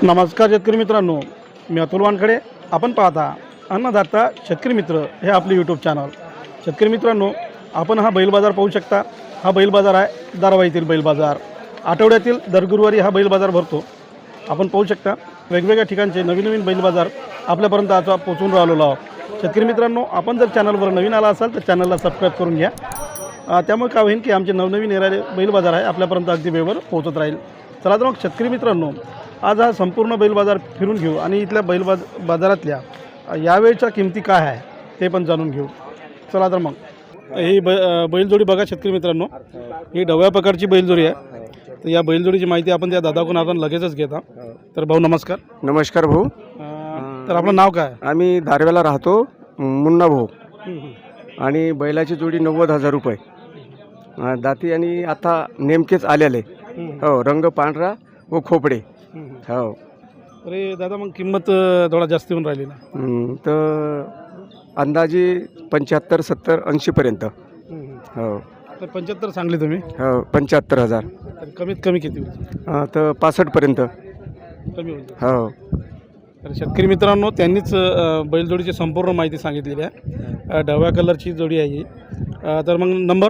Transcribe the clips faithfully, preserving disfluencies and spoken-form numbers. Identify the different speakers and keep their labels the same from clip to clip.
Speaker 1: नमस्कार शेतकरी मित्रांनो, मी अतुल वानखडे. आपण पाहता अन्नदाता शेतकरी मित्र हे आपले यूट्यूब चॅनल. शेतकरी मित्रांनो, आपण हा बैल बाजार पाहू शकता. हा बैल बाजार आहे दारव्हा बैल बाजार. आठवड्यातील दर गुरुवारी हा बैल बाजार भरतो. आपण पाहू शकता वेगवेगळ्या ठिकाणचे नवीन नवीन बैल बाजार आपल्यापर्यंत आता पोहोचून राहिलेलो आहोत. शेतकरी मित्रांनो, आपण जर चॅनलवर नवीन आला असाल तर चॅनलला सबस्क्राईब करून घ्या. त्यामुळे काय होईल की आमचे नवनवीन येणारे बैल बाजार आहे आपल्यापर्यंत अगदी वेळेवर पोहोचत राहील. चला तर मग शेतकरी मित्रांनो, आज हा संपूर्ण बैल बाजार फिरून घेऊ आणि इथल्या बैल बाज बाजारातल्या यावेळच्या किमती काय आहे ते पण जाणून घेऊ. चला तर मग ही ब बैलजोडी बघा शेतकरी मित्रांनो, ही ढवळ्या प्रकारची बैलजोडी आहे. तर या बैलजोडीची माहिती आपण त्या दादाकडून आपण लगेचच घेता. तर भाऊ नमस्कार.
Speaker 2: नमस्कार भाऊ.
Speaker 1: तर आपलं नाव काय?
Speaker 2: आम्ही धारव्याला राहतो, मुन्ना भाऊ. आणि बैलाची जोडी नव्वद हजार रुपये दाती आणि आता नेमकेच आलेले. हो, रंग पांढरा व खोपडे. हो.
Speaker 1: अरे दादा, मग किंमत थोडा जास्त येऊन राहिली ना?
Speaker 2: तर अंदाजे पंच्याहत्तर सत्तर ऐंशीपर्यंत. हो.
Speaker 1: तर पंच्याहत्तर सांगली तुम्ही?
Speaker 2: हो, पंच्याहत्तर हजार.
Speaker 1: तर कमीत कमी किती होईल?
Speaker 2: तर पासष्टपर्यंत
Speaker 1: कमी होईल.
Speaker 2: हो.
Speaker 1: तर शेतकरी मित्रांनो, त्यांनीच बैलजोडीची संपूर्ण माहिती सांगितलेली आहे. ढवळ्या कलरची जोडी आहे ही. तर मग नंबर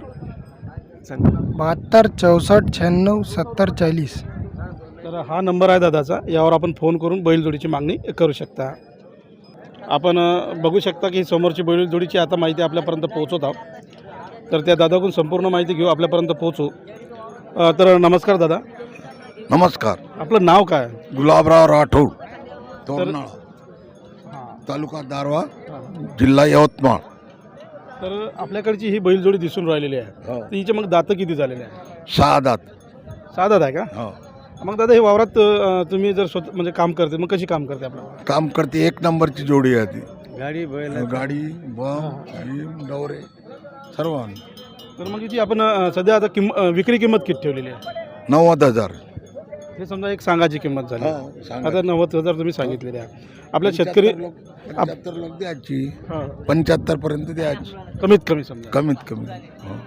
Speaker 3: बहात्तर चौसष्ट शहाण्णव सत्तर चाळीस.
Speaker 1: तर हा नंबर आहे दादाचा. यावर आपण फोन करून बैलजोडीची मागणी करू शकता. आपण बघू शकता की समोरची बैलजोडीची आता माहिती आपल्यापर्यंत पोहोचवत आहोत. तर त्या दादाकडून संपूर्ण माहिती घेऊ, आपल्यापर्यंत पोहोचू. तर नमस्कार दादा.
Speaker 4: नमस्कार.
Speaker 1: आपलं नाव काय?
Speaker 4: गुलाबराव राठोड, तोरनाळा, तालुका दारव्हा, जिल्हा यवतमाळ.
Speaker 1: तर आपल्याकडची ही बैलजोडी दिसून राहिलेली आहे. तर हिचे मग दातं किती झालेले आहे?
Speaker 4: सहा दात.
Speaker 1: सहा दात आहे का?
Speaker 4: हो.
Speaker 1: मग दादा, हे वावरात तुम्ही जर स्वतः म्हणजे काम करते, मग कशी काम करते आपल्याला?
Speaker 4: काम करते, एक नंबरची जोडी आहे ती.
Speaker 2: गाडी बैल
Speaker 4: गाडी बम भीम डवरे सर्व.
Speaker 1: तर मग हिची आपण सध्या आता किंम विक्री किंमत किती ठेवलेली आहे?
Speaker 4: नव्वद हजार.
Speaker 1: हे समजा एक सांगाची किंमत झाली.
Speaker 4: हो, सांगा.
Speaker 1: आता नव्वद हजार तुम्ही सांगितलेले आहे. आपल्या शेतकरी
Speaker 4: पंच्याहत्तर लोक द्यायची,
Speaker 1: हा,
Speaker 4: पंच्याहत्तर पर्यंत द्यायची
Speaker 1: कमीत कमी समजा.
Speaker 4: कमीत कमी. हो.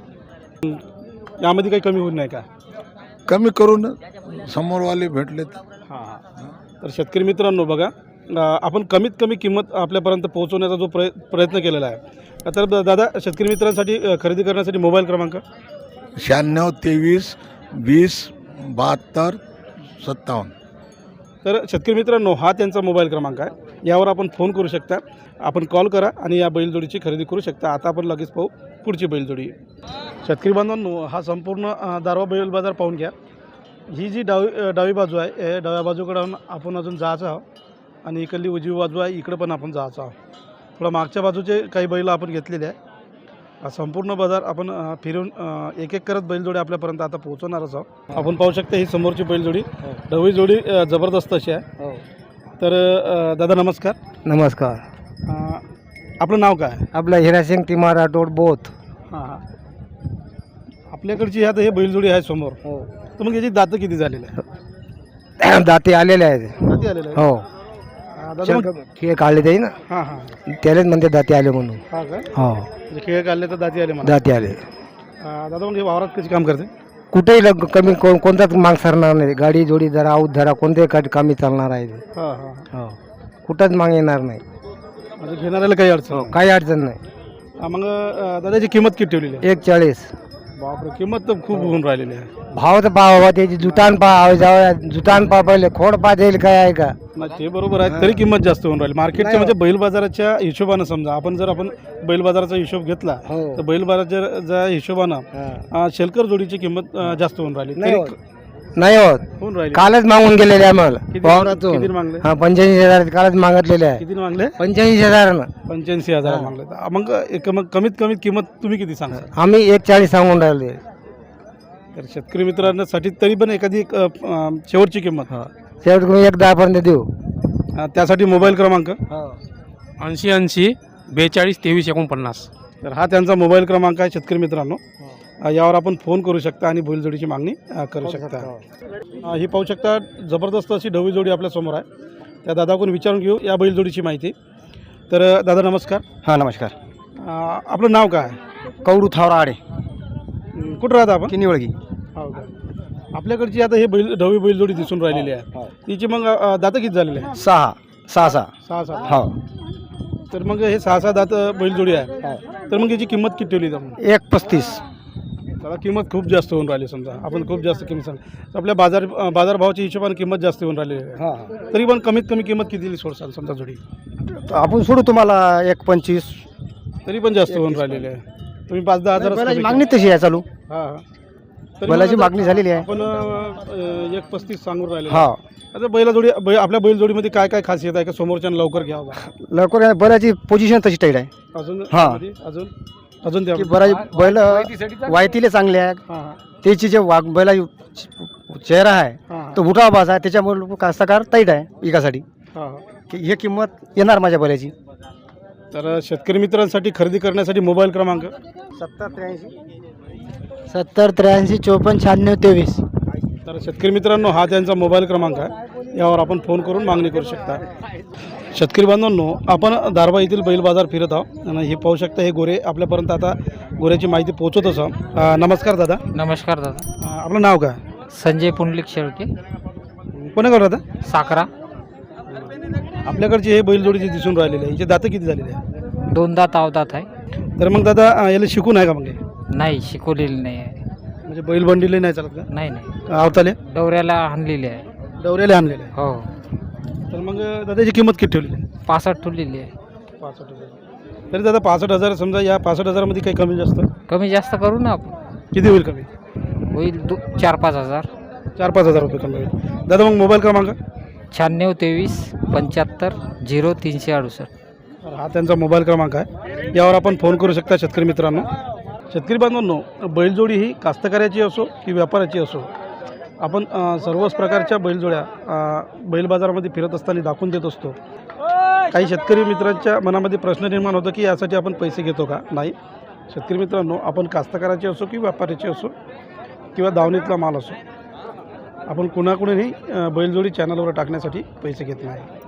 Speaker 1: यामध्ये काही कमी होत नाही का?
Speaker 4: कमी करून समोरवाले भेटलेत.
Speaker 1: हां. तर शेतकरी मित्रांनो बघा, आपण कमीत कमी किंमत आपल्यापर्यंत पोहोचवण्याचा जो प्रय प्रयत्न केलेला आहे. तर दादा, शेतकरी मित्रांसाठी खरेदी करण्यासाठी मोबाईल क्रमांक
Speaker 4: शहाण्णव तेवीस वीस बहात्तर सत्तावन्न.
Speaker 1: तर शेतकरी मित्रांनो, हा त्यांचा मोबाईल क्रमांक आहे. यावर आपण फोन करू शकता, आपण कॉल करा आणि या बैलजोडीची खरेदी करू शकता. आता आपण लगेच पाहू पुढची बैलजोडी. शेतकरी बांधवांनो, हा संपूर्ण दारव्हा बैल बाजार पाहून घ्या. ही जी डावी डावी बाजू आहे, हे डाव्या बाजूकडून आपण अजून जायचं आहोत आणि इकडली उजवी बाजू आहे, इकडं पण आपण जायचं आहोत. थोडा मागच्या बाजूचे काही बैल आपण घेतलेले आहे. हा संपूर्ण बाजार आपण फिरून एक एक करत बैलजोडी आपल्यापर्यंत आता पोहोचवणारच आहोत. आपण पाहू शकता ही समोरची बैलजोडी, ढवळी जोडी जबरदस्त अशी आहे. तर दादा नमस्कार.
Speaker 3: नमस्कार.
Speaker 1: आपलं नाव काय?
Speaker 3: आपला हिरासिंग तिमार राठोड बोथ.
Speaker 1: हां हां. आपल्याकडची आता हे बैलजोडी आहे समोर.
Speaker 3: हो.
Speaker 1: तर मग याची दातं किती झालेली आहे?
Speaker 3: दाते आलेले आहेत.
Speaker 1: दाती आलेले आहे?
Speaker 3: हो.
Speaker 1: दादा मग
Speaker 3: खेळ काढले ते ना,
Speaker 1: हां हां.
Speaker 3: त्यालाच म्हणते दाते आले म्हणून.
Speaker 1: हां का?
Speaker 3: हो,
Speaker 1: म्हणजे खेळ काढले तर दाती आले मला.
Speaker 3: दाते आले.
Speaker 1: दादा मग हे वावरात कशी काम करते?
Speaker 3: कुठेही लग कमी कोण कोणताच माग सरणार नाही. गाडी जोडी धरा आऊत धरा कोणत्याही का कामी चालणार आहे ते.
Speaker 1: हां हां.
Speaker 3: हो, कुठंच माग येणार नाही.
Speaker 1: म्हणजे घेणाऱ्याला काही अडचण नाही.
Speaker 3: काही अडचण नाही.
Speaker 1: हा, मग दादाची किंमत किती ठेवलेली आहे?
Speaker 3: एक चाळीस.
Speaker 1: बापरे, किंमत तर खूप होऊन राहिलेली आहे.
Speaker 3: भाव तर पहा बाबा, त्याची जुतान पहा, जाऊ जुतान पहा, पहिले खोड पहा, देईल काय आहे का?
Speaker 1: नाही, ते बरोबर आहे. तरी किंमत जास्त होऊन राहिली मार्केटच्या. म्हणजे बैल बाजाराच्या हिशोबानं समजा आपण जर आपण बैल बाजाराचा हिशोब घेतला तर बैल बाजाराच्या हिशोबानं शेलकर जोडीची किंमत जास्त होऊन राहिली.
Speaker 3: नाही
Speaker 1: तरी
Speaker 3: होत. नाही होत.
Speaker 1: होऊन राहिली.
Speaker 3: कालच मागून गेलेले आहे मला
Speaker 1: किती
Speaker 3: वावरातून.
Speaker 1: किती मागले?
Speaker 3: हा, पंच्याऐंशी हजार कालच मागितलेले आहे.
Speaker 1: किती मागले?
Speaker 3: पंच्याऐंशी हजारानं.
Speaker 1: पंच्याऐंशी हजार मागले. तर मग एक मग कमीत कमीत किंमत तुम्ही किती सांगा?
Speaker 3: आम्ही एक चाळीस सांगून राहिले.
Speaker 1: तर शेतकरी मित्रांसाठी तरी पण एखादी एक, अ, अ, शेवटची किंमत
Speaker 3: शेवट तुम्ही एक दहा पर्यंत देऊ.
Speaker 1: अ, त्यासाठी मोबाईल क्रमांक
Speaker 5: ऐंशी ऐंशी बेचाळीस तेवीस एकोणपन्नास.
Speaker 1: तर हा त्यांचा मोबाईल क्रमांक आहे शेतकरी मित्रांनो. यावर आपण फोन करू शकता आणि बैलजोडीची मागणी करू शकता. ही पाहू शकता जबरदस्त अशी ढवळी जोडी आपल्यासमोर आहे. त्या दादाकडून विचारून घेऊ या बैलजोडीची माहिती. तर दादा नमस्कार.
Speaker 3: हां नमस्कार.
Speaker 1: आपलं नाव काय?
Speaker 3: कौडू थावरा आडे.
Speaker 1: कुठं राहता आपण?
Speaker 3: किनी वळगी.
Speaker 1: हो का? आपल्याकडची आता हे बैल ढवी बैलजोडी दिसून राहिलेली आहे तिची मग अ, दातं किती झालेले आहे?
Speaker 3: सहा सहा सहा
Speaker 1: सहा सहा
Speaker 3: हो
Speaker 1: तर मग हे सहा सहा दात बैलजोडी आहे तर मग याची किंमत किती ठेवली आपण?
Speaker 3: एक पस्तीस
Speaker 1: त्याला किंमत खूप जास्त होऊन राहिली समजा आपण खूप जास्त किंमत सांग आपल्या बाजार अ, बाजारभावाच्या हिशोबाने किंमत जास्त होऊन राहिली आहे
Speaker 3: हां
Speaker 1: तरी पण कमीत कमी किंमत किती सोडसाल समजा जोडी?
Speaker 3: आपण सोडू तुम्हाला एक पंचवीस
Speaker 1: तरी पण जास्त होऊन राहिलेली आहे तुम्ही पाच दहा हजार
Speaker 3: बैलाची मागणी तशी आहे चालू
Speaker 1: हां हां तरी
Speaker 3: बैलाची
Speaker 1: मग आता
Speaker 3: मागणी झालेली आहे
Speaker 1: आपण अ, एक पस्तीस सांगून राहिले
Speaker 3: हा
Speaker 1: आता बैलाजोडी बै आपल्या बैलजोडीमध्ये काय काय खासियत आहे का समोरच्यानं लवकर घ्यावं बा?
Speaker 3: लवकर आहे, बैलाची पोझिशन तशी टाईट आहे
Speaker 1: अजून
Speaker 3: हा.
Speaker 1: त्यामध्ये अजून अजून त्या
Speaker 3: की बराची बैल वायतीले चांगले आहे
Speaker 1: हां हां
Speaker 3: त्याची जे वाघ बैला चेहरा आहे
Speaker 1: हां
Speaker 3: तो उठावा बाज आहे त्याच्यामुळे कास्तकार टाईट आहे विकासाठी
Speaker 1: हां हां
Speaker 3: की हे किंमत येणार माझ्या बैलाची
Speaker 1: तर शेतकरी मित्रांसाठी खरेदी करण्यासाठी मोबाईल क्रमांक
Speaker 3: सत्तर त्र्याऐंशी
Speaker 6: सत्तर त्र्याऐंशी चोपन्न शहाण्णव तेवीस.
Speaker 1: तर शेतकरी मित्रांनो हा त्यांचा मोबाईल क्रमांक आहे यावर आपण फोन करून मागणी करू शकता. शेतकरी बांधवांनो आपण दारवा येथील बैल बाजार फिरत आहोत आणि हे पाहू शकता हे गोरे आपल्यापर्यंत आता गोऱ्याची माहिती पोहोचत असं. अ, नमस्कार दादा.
Speaker 6: नमस्कार दादा.
Speaker 1: अ, आपलं नाव काय?
Speaker 6: संजय पुंडलिक शेळके,
Speaker 1: कोणाकडे दादा?
Speaker 6: साखरा.
Speaker 1: आपल्याकडचे हे बैलजोडी जे दिसून राहिलेले आहे याचे दातं किती झालेले आहे?
Speaker 6: दोनदा तावदात आहे.
Speaker 1: तर मग दादा अ, याला शिकून आहे का मग हे?
Speaker 6: नाही शिकवलेली नाही आहे.
Speaker 1: म्हणजे बैल बंडीले नाही चालत का?
Speaker 6: नाही नाही
Speaker 1: आवताले
Speaker 6: डवऱ्याला आणलेली आहे.
Speaker 1: डवऱ्याला आणलेले आहे.
Speaker 6: हो
Speaker 1: तर मग दादाची किंमत किती ठेवली आहे?
Speaker 6: पासष्ट ठेवलेली आहे.
Speaker 1: पासष्ट हजार. तरी दादा पासष्ट हजार समजा या पासष्ट हजारामध्ये काही कमी जास्त
Speaker 6: कमी जास्त करू ना आपण.
Speaker 1: किती होईल कमी?
Speaker 6: होईल दो चार पाच हजार.
Speaker 1: चार पाच हजार रुपये कमी होईल. दादा मग मोबाईल क्रमांक?
Speaker 6: शहाण्णव तेवीस पंच्याहत्तर झिरो तीनशे अडुसष्ट.
Speaker 1: तर हा त्यांचा मोबाईल क्रमांक आहे यावर आपण फोन करू शकता शेतकरी मित्रांनो. शेतकरी बांधवांनो बैलजोडी ही कास्तकाराची असो की व्यापाराची असो आपण अ, सर्वच प्रकारच्या बैलजोड्या अ, बैल बाजारामध्ये फिरत असताना दाखवून देत असतो. काही शेतकरी मित्रांच्या मनामध्ये प्रश्न निर्माण होतो की यासाठी आपण पैसे घेतो का? नाही. शेतकरी मित्रांनो आपण कास्तकाराची असो की व्यापाराची असो किंवा दावणीतला माल असो आपण कुणाकुणीही अ, बैलजोडी चॅनलवर टाकण्यासाठी पैसे घेत नाही.